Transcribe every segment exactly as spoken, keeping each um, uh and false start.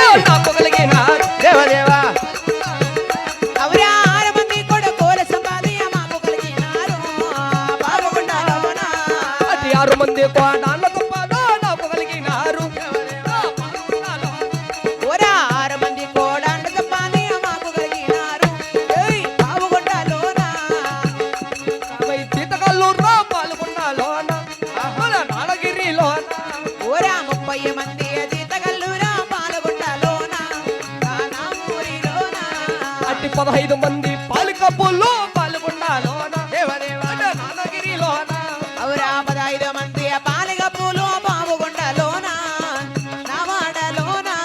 నాకు కలిగిన దేవదేవా అవురా ఆరు మంది కొడుకుల సంపాది మాకు కలిగినారు పాపగుండాలోన అతి ఆరు మంది కోడాళ్ళ గొప్పలో నాకు కలిగినారు ఓరా ఆరు మంది కోడాళ్ళ సంపాది మాకు కలిగినారు ఏయ్ పాపగుండాలోన వై సీతకల్లూరులో పాల్గొన్నాలోన నాడగిరిలోన ఓరా ముప్పై మంది జీతగల్లురా పాల్గొండాలోన నానామూరిలోన అట్టి పదహైదు మంది పాలికప్పుల్లో పాల్గొన్నాలోన దేవదేవా నాడగిరిలోన అవురా పదహైదు మంది పాలిగ పూలు పావుగుండలోన నావాడలోన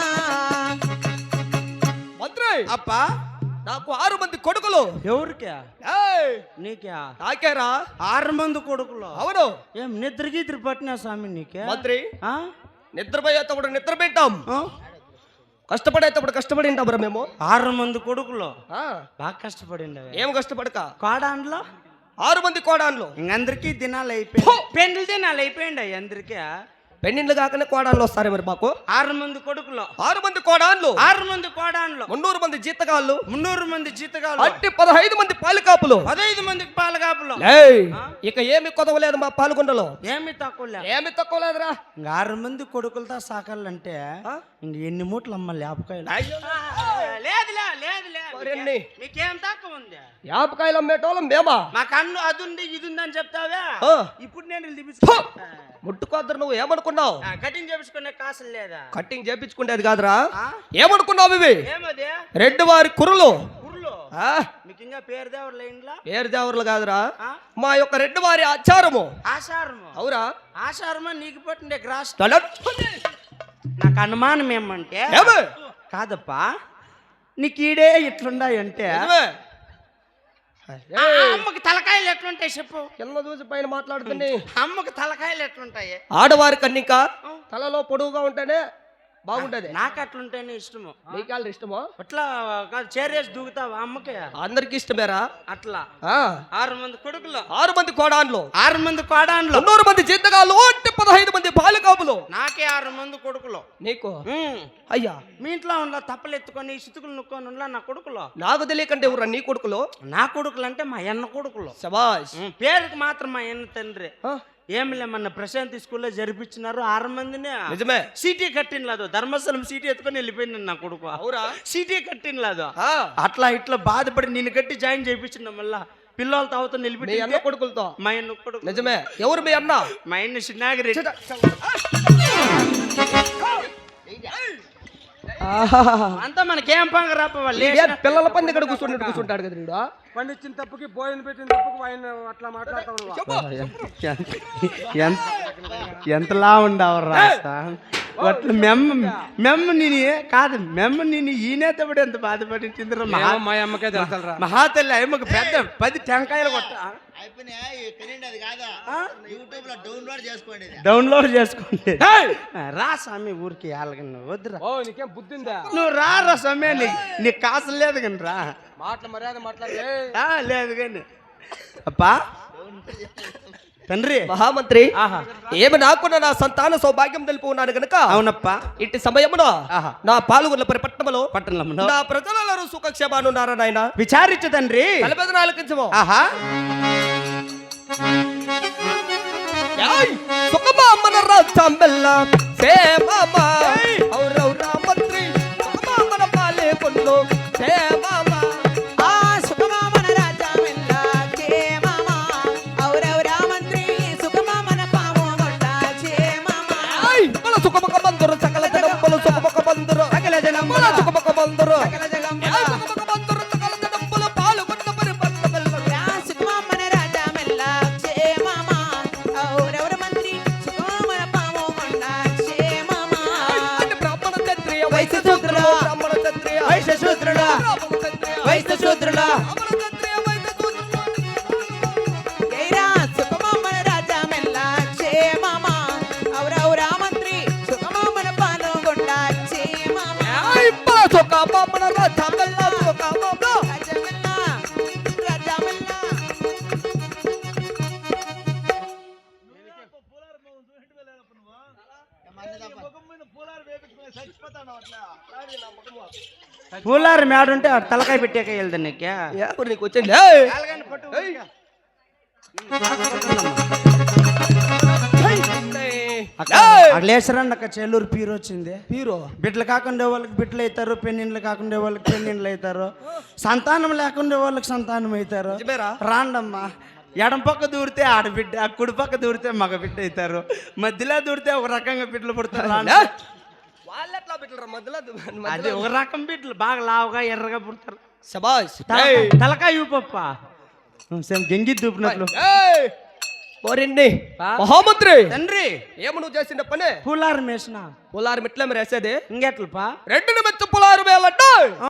మంత్రి అప్పా నాకు ఆరు మంది కొడుకులు ఎవరికా ఏయ్, నీకా నాకేరా ఆరు మంది కొడుకులు అవును ఏం నిద్ర గీద్ర పట్టినా స్వామి నీకే మంత్రి ఆ? నిద్రపోయేటప్పుడు నిద్ర పెట్టాం ఆ? కష్టపడేటప్పుడు కష్టపడి ఉంటాం మేము ఆరు మంది కొడుకులు ఆ, బాగా కష్టపడింది ఏం కష్టపడక కోడాండ్లో ఆరు మంది కోడాన్లు ఇంకందరికీ దినాలు అయిపోయి పెండ్లి దినాలు అయిపోయింది అందరికీ పెన్నిళ్ళు కాకనే కోడాన్లు వస్తారు మరి మాకు ఆరు మంది కొడుకులు ఆరు మంది కోడాన్లు ఆరు మంది కోడాండ్లు మున్నూరు మంది జీతగాళ్ళు మున్నూరు మంది జీతగాలు అట్టి పదహైదు మంది పాలికాపులు పదహైదు మందికి పాలగాపులు ఏయ్, ఇక ఏమి కొదవలేదు మా పాల్గొండలో ఏమి తక్కువ లే. ఏమి తక్కువ లేదురా ఇంక ఆరు మంది కొడుకులతో సాకాలంటే ఇంక ఎన్ని మూటలు అమ్మ లేపకాయలు లేదులే లేదు మరెన్ని? మీకేం తక్కువ ఉంది యాపకాయలు అమ్మేటోళ్ళం మేమా మాకు అన్ను అది ఉంది ఇది ఉంది అని చెప్తావే ఆ. ఇప్పుడు నేను ఫు! దిపించుకో ముట్టుకోద్దరు నువ్వు ఏమనుకున్నావు కటింగ్ చేపించుకునే కాసులు లేదా కట్టింగ్ చేపించుకునేది కాదురా ఆ? ఏమనుకున్నావు ఇవి ఏమది రెడ్డి వారి కుర్రలు కుర్లు ఆ, మీకు ఇంకా పేరు దేవరు లైన్లా పేరు దేవరులు కాదురా మా యొక్క రెడ్డి వారి ఆచారము ఆషారము అవురా ఆషారమా నీకు పట్టిండే గ్రాస్ తలట్. నాకు అనుమానం ఏమంటే ఏమి? కాదప్పా నీకు ఈడే ఇట్లుండాయంటే నిజమే. ఆ అమ్మకి తలకాయలు ఎట్లుంటాయి చెప్పు కింద చూసి పైన మాట్లాడుతుంది అమ్మకి తలకాయలు ఎట్లుంటాయి ఆడవారి కన్నిక తలలో పొడువుగా ఉంటేనే బాగుంటది నాకు అట్లుంటేనే ఇష్టము నీకాళ్ళు ఇష్టమో అట్లా కాదు చేరేసి దూకుతావా అమ్మకి అందరికి ఇష్టమేరా అట్లా ఆ, ఆరు మంది కొడుకులు ఆరు మంది కోడాన్లు ఆరు మంది కోడాన్లు మున్నూరు మంది జీతగాళ్ళు అంటే పదహైదు మంది బాలికాపులు నాకే ఆరు మంది కొడుకులు నీకు ఉమ్. అయ్యా మీ ఇంట్లో ఉన్న తప్పలు ఎత్తుకొని సితుకులు నుక్కొని ఉన్న నా కొడుకులు నాకు తెలియకంటే ఎవరా నీ కొడుకులు నా కొడుకులు అంటే మా అన్న కొడుకులు శబాష్ ఉమ్, పేరుకి మాత్రం మా అన్న తండ్రి ఆ, ఏమిలే మన ప్రశాంతి స్కూల్లో జరిపించినారు ఆరు మందిని నిజమే సీటీ కట్టినలేదు ధర్మస్థలం సీటీ ఎత్తుకొని వెళ్ళిపోయింది నా కొడుకు అవురా సీటీ కట్టినలేదు ఆ, అట్లా ఇట్లా బాధపడి నేను కట్టి జాయిన్ చేయించిన మళ్ళా పిల్లలతో అవతల మీ నిలిపి అన్న కొడుకులతో మా అన్న కొడుకు నిజమే ఎవరు మీ అన్న మా అన్న చిన్నాగిరి అంతా మనకేం పంగ రాప వాళ్ళు ఇదే పిల్లల పంది ఇక్కడ కూర్చున్నట్టు కూర్చుంటాడు కదా వీడు. పండించిన తప్పుకి భోజనం పెట్టిన తప్పుకి ఆయన అట్లా మాట్లాడతావు ఎంతలా ఉండవరా అట్లా మెమ్మ మెమ్మ నేను కాదు మెమ్మ నేను ఈనేతప్పుడు ఎంత బాధపడించిందిరా మహా మా అమ్మకే తెలుసరా మహాతల్లి అమ్మకి పెద్ద పది టెంకాయలు కొట్ట డౌన్లోడ్ చేసుకోండి రా స్వామి ఊరికి వాళ్ళకి వద్దురా ఓ నీకేం బుద్ధిందా నువ్వు రా రా స్వామి నీ నీకు కాసు లేదు కానీ రా మాటల మర్యాద మాట్లాడే ఆ, లేదు కానీ అప్పా తండ్రి మహామంత్రి ఆహా ఏమి నాకున్న నా సంతాన సౌభాగ్యం తెలుపు ఉన్నాను గనుక అవునప్పా ఇట్టి సమయమున ఆహా. నా పాల్గొన్న పరిపట్టణములో పట్టణంలో నా ప్రజలందరూ సుఖక్షేమానున్నారా నాయన విచారించు తండ్రి తలపెద నాలుగించము ఆహా సుఖమా మన రాజంబెల్ల సేమమా ఔరౌరా మంత్రి సుఖమా మన పాలే కొన్ను సేమమా ఆ సుఖమామన రాజామెల్ల క్షేమమా ఔరౌరా మంత్రి సుఖమామన పావుగొండ క్షేమమా మన సుఖముఖ బంధురు సకల జనంబులు సుఖముఖ బంధురు సకల జనంబుల మన సుఖముఖ బంధురు సకల జగంబుల సుఖముఖ బంధురు సకల జనంబులు పాల్గొన్న పరిపట్టణములో రా సుఖమామన రాజామెల్ల క్షేమమా ఔరౌరా మంత్రి సుఖమామన పావుగొండ క్షేమమా బ్రాహ్మణ క్షత్రియ వైశ్య శూద్రుల బ్రాహ్మణ క్షత్రియ వైశ్య శూద్రుల బ్రాహ్మణ క్షత్రియ వైశ్య శూద్రుల బ్రాహ్మణ క్షత్రియ వైశ్య శూద్రుల జైరా సుఖమామన రాజామెల్ల క్షేమమా ఔరౌరా మంత్రి సుఖమామన పావుగొండ క్షేమమా సుఖమా మన రాజంబెల్ల సుఖమా రాజామెల్ల రాజామెల్ల పూలారి మేడ ఉంటే ఆడ తలకాయ పెట్టాక వెళ్దా నీకే ఏ ఊరు నీకు వచ్చింది ఏయ్! అట్లేసరండి అక్క చెల్లూరు పీరు వచ్చింది హీరో బిడ్డలు కాకుండా వాళ్ళకి బిడ్డలు అవుతారు పెన్నిండ్లు కాకుండా వాళ్ళకి పెన్నిండ్లు అవుతారు సంతానం లేకుండా వాళ్ళకి సంతానం అవుతారు నిజమేరా? రాండమ్మా ఎడం పక్క దూరితే ఆడబిడ్డ కుడి పక్క దూరితే మగ బిడ్డ అవుతారు మధ్యలో దూరితే ఒక రకంగా బిడ్డలు పుడతారు రాండి. వాళ్ళు ఎట్లా పెట్టారు మధ్యలో అది ఒక రకం బిడ్డలు బాగా లావుగా ఎర్రగా పుడతారు శబాష్ తలకాయ- తలకాయ ఊపప్ప సేమ్ గెంగి దూపినట్లు ఓరిండి మహామంత్రి తండ్రి ఏమి నువ్వు చేసిన పని పూలారు మేసిన పొలారు మిట్ల మీరు వేసేది ఇంకెట్లపా రెండు మెచ్చు పొలారు వేయాలంటే